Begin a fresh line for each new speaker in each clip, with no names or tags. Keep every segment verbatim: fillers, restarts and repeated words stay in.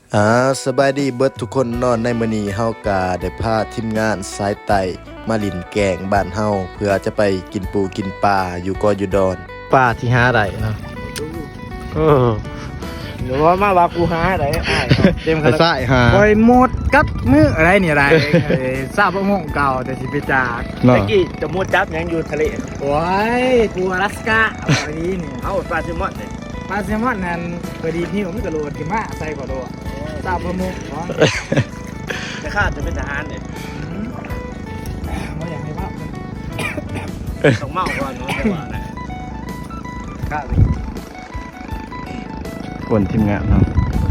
อ่าสบายดีเบิดทุกคนนอนในมื้อนี้เฮากะได้พาทีมงานสายไต่มาลินแกงบ้านเฮาเพื่อจะไปกินปูกินปลาอยู่กออยู่ดอนปลาที่หาได้เนาะเออ
หรือว่ามาว่ากูหาอะไรอ้ายเต็ม
ไป
ขนาด
สายหา
คอยหมดกัดมืออะไรเนี่ยอะไรเอ้ยทราบว่าโมงเก่าแต่สิไปจาก
เนาะ
ตะกี้จะมุดจับยังอยู่ทะเล
โอ้ยกูอลาสก้าอันนี้เนี่ย
เอ้าปลาแซลมอนเลย
ปลาแซลมอนนั่นพอดีพี่ผมไม่กระโดดขึ้นมาใส่กระโดดทราบว่าโมงเนาะ
แต่ข้าจะเป็นทหารเนี่ย
ไม่อยากให้ว่ามัน
ต้องเมาก่อนเนาะจังหวะนะ
ข้า
คนทีมงานเนาะ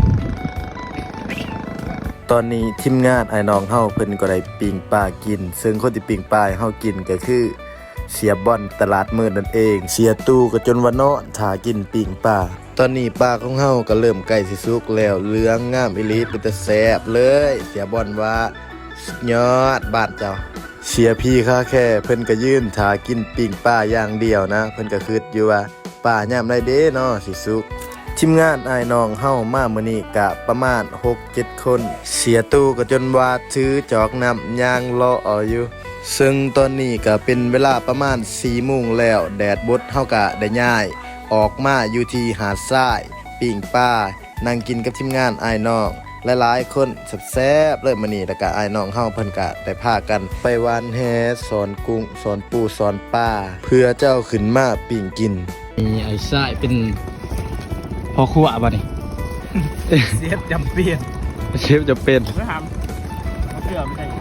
ตอนนี้ทีมงานไอ้น้องเฮาเพิ่นก็ได้ปิ้งปลากิน ซึ่งคนที่ปิ้งปลาให้เฮากินก็คือเสียบ่อนตลาดมืดนั่นเอง เสียตู้ก็จนว่านอนถ้ากินปิ้งปลาตอนนี้ปลาของเฮาก็เริ่มใกล้สิสุกแล้วเหลืองงามอีหลีเป็นตาแซ่บเลย เสียบ่อนว่าสุดยอดบ้านเจ้า เสียพี่ค่าแค่เพิ่นก็ยืนถ้ากินปิ้งปลาอย่างเดียวนะเพิ่นก็คิดอยู่ว่าปลายามใดเด้เนาะสิสุก ทีมงานอ้ายน้องเฮามามื้อนี้กะประมาณ หกเจ็ด คน เสียตู้ก็จนว่าถือจอกน้ำย่างรอเอาอยู่ ซึ่งตอนนี้ก็เป็นเวลาประมาณ สี่โมงแล้ว แดดบดเฮาก็ได้ย้าย ออกมาอยู่ที่หาดทรายปิ้งปลานั่งกินกับทีมงานอ้ายน้องหลายๆคนแซ่บๆเลยมื้อนี้แล้วก็อ้ายน้องเฮาเพิ่นก็ได้พากันไปวานแหสอนกุ้งสอนปูสอนปลาเพื่อเจ้าขึ้นมาปิ้งกิน
มีไอ้ทรายเป็นพอครัวป่ะนี่
เสียบจำเปลี่ยน
เชฟจะเป็น
ไม่ทำเขาเชื่อไม่ใช่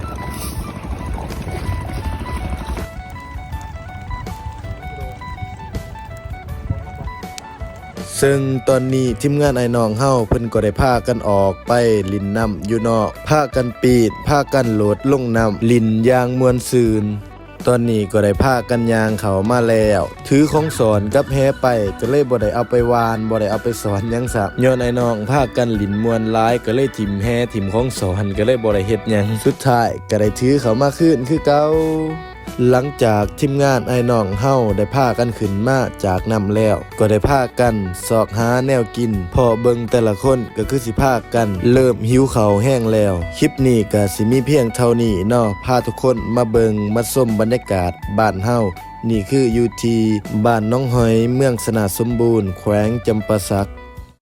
ซึ่งตอนนี้ทีมงานไอ้น้องเฮาเพิ่นก็ได้พากันออกไปลินน้ำอยู่นอกพากันปีนพากันโหลดลงน้ำลินยางมวนซืนตอนนี้ก็ได้พากันยางเขามาแล้วถือของสอนกับแฮไปก็เลยบ่ได้เอาไปวานบ่ได้เอาไปสอนหยังซักย้อนไอ้น้องพากันลินมวนหลายก็เลยถิ่มแฮถิ่มของสอนก็เลยบ่ได้เฮ็ดหยังสุดท้ายก็ได้ถือเขามาคืนคือเก่า หลังจากทีมงานไอ้น้องเฮาได้พากันขึ้นมาจากน้ำแล้วก็ได้พากันสอกหาแนวกินพอเบิ่งแต่ละคนก็คือสิพากันเริ่มหิวข้าวแห้งแล้วคลิปนี้ก็สิมีเพียงเท่านี้เนาะพาทุกคนมาเบิ่งมาชมบรรยากาศบ้านเฮานี่คืออยู่ที่บ้านน้องหอยเมืองสนาสมบูรณ์แขวงจำปาสัก